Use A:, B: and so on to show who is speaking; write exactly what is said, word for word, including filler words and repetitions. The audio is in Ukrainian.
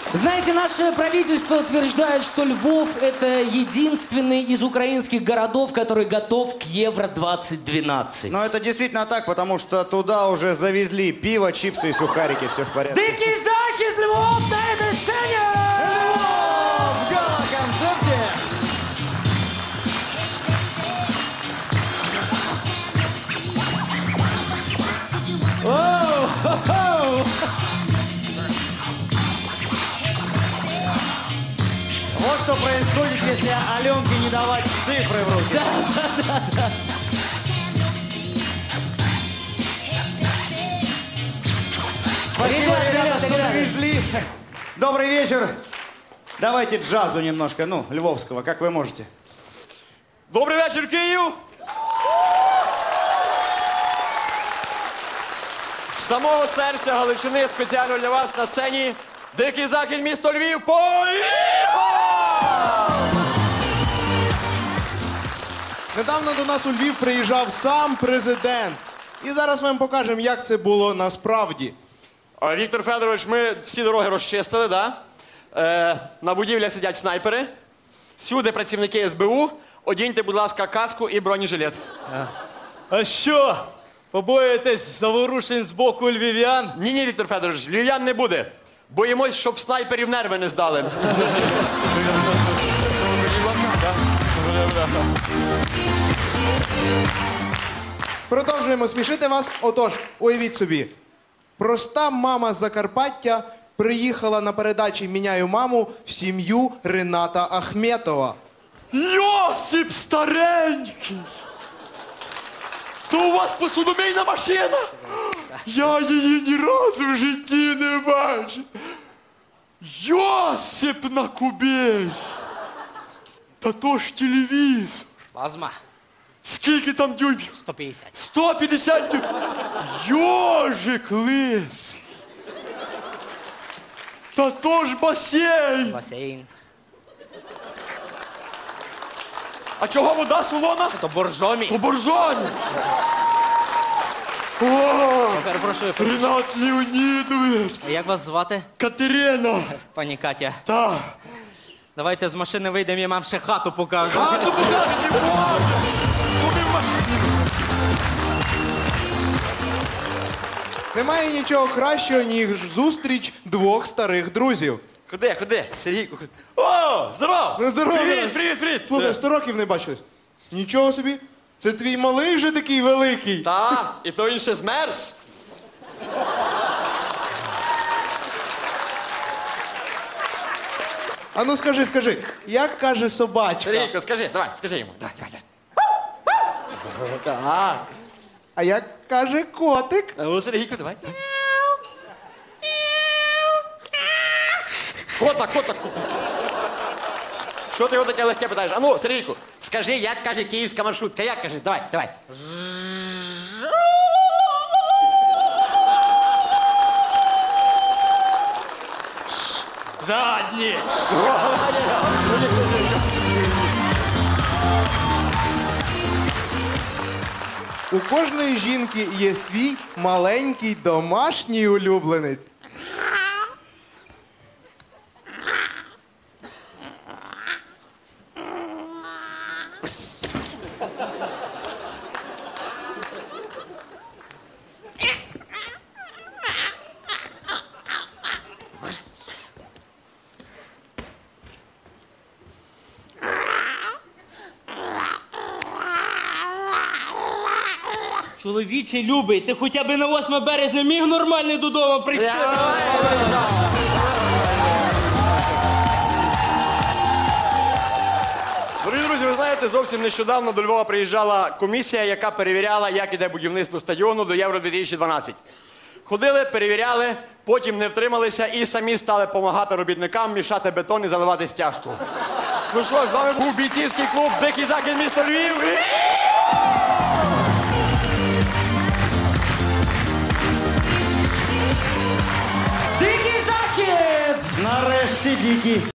A: Знаете, наше правительство утверждает, что Львов – это единственный из украинских городов, который готов к Евро двадцать двенадцать.
B: Но это действительно так, потому что туда уже завезли пиво, чипсы и сухарики, все в порядке.
A: Дикий захід, Львов на этой сцене!
B: Львов в гала-концерте!
A: Оу-хо-хо!
B: Вот что происходит, если Аленке не давать цифры в руки.
A: Да, да, да, да.
B: Спасибо,
A: Ребята,
B: ребята,
A: ребята,
B: что
A: ребята.
B: довезли. Добрый вечер. Давайте джазу немножко, ну, львовского, как вы можете.
C: Добрий вечір, Київ! З самого серця Галичини спеціально для вас на сцені Дикий Захід, місто Львів. Поїхали!
D: Недавно до нас у Львів приїжджав сам президент. І зараз ми вам покажемо, як це було насправді.
C: А, Віктор Федорович, ми всі дороги розчистили, да? Е, на будівлях сидять снайпери. Всюди працівники ес бе у. Одіньте, будь ласка, каску і бронежилет.
E: А що? Побоїтесь заворушень з боку львів'ян?
C: Ні-ні, Віктор Федорович, львів'ян не буде. Боїмось, щоб снайперів нерви не здали.
D: Продовжуємо смішити вас. Отож, уявіть собі, проста мама з Закарпаття приїхала на передачі «Міняю маму» в сім'ю Рената Ахметова.
C: Йосип старенький! То у вас посудомийна машина? Я її ні разу в житті не бачив. Йосип на кубей! Та то ж телевізор.
A: Плазма
C: Скільки там дюймів?
A: сто пятьдесят.
C: сто п'ятдесят дюймів. Йожик лисий. Та то ж басейн.
A: Бассейн.
C: А чого вода солона?
A: То боржомі.
C: То боржоні. О,
A: Перепрошую.
C: Ренат Леонідович.
A: Як вас звати?
C: Катерина.
A: Пані Катя.
C: Так.
A: Давайте з машини вийдемо, я вам ще хату покажу.
C: А то покажете, не може. Куди в машині?
D: Немає нічого кращого, ніж зустріч двох старих друзів.
C: Куди, куди? Сергійку. О, здоров!
D: Ну, здорово,
C: Привіт,
D: Ренат.
C: привіт, привіт.
D: Слухай, сто років не бачились. Нічого собі. Це твій малий вже такий великий.
C: Та, і то він ще змерз.
D: А ну скажи, скажи, як каже собачка?
C: Сергійко, скажи, давай, скажи йому. Давай, давай, давай. Так.
D: А як каже котик?
C: А ну, Сергійко, давай. Кота, кота, кота. Що ти його таке легке питаєш? А ну, Сергійку, скажи, як каже київська маршрутка. Як каже? Давай, давай. Задні.
D: У кожної жінки є свій маленький домашній улюбленець.
E: Чоловіче любий, ти хоча б на восьме березня міг нормально додому прийти?
C: Дорогі друзі, ви знаєте, зовсім нещодавно до Львова приїжджала комісія, яка перевіряла, як іде будівництво стадіону до Євро дві тисячі дванадцять. Ходили, перевіряли, потім не втрималися і самі стали допомагати робітникам мішати бетон і заливати стяжку. Ну що, з вами був бійцівський клуб «Дикий Захід», місто Львів.
A: Дикий захід!
B: Нарешті, Дикий.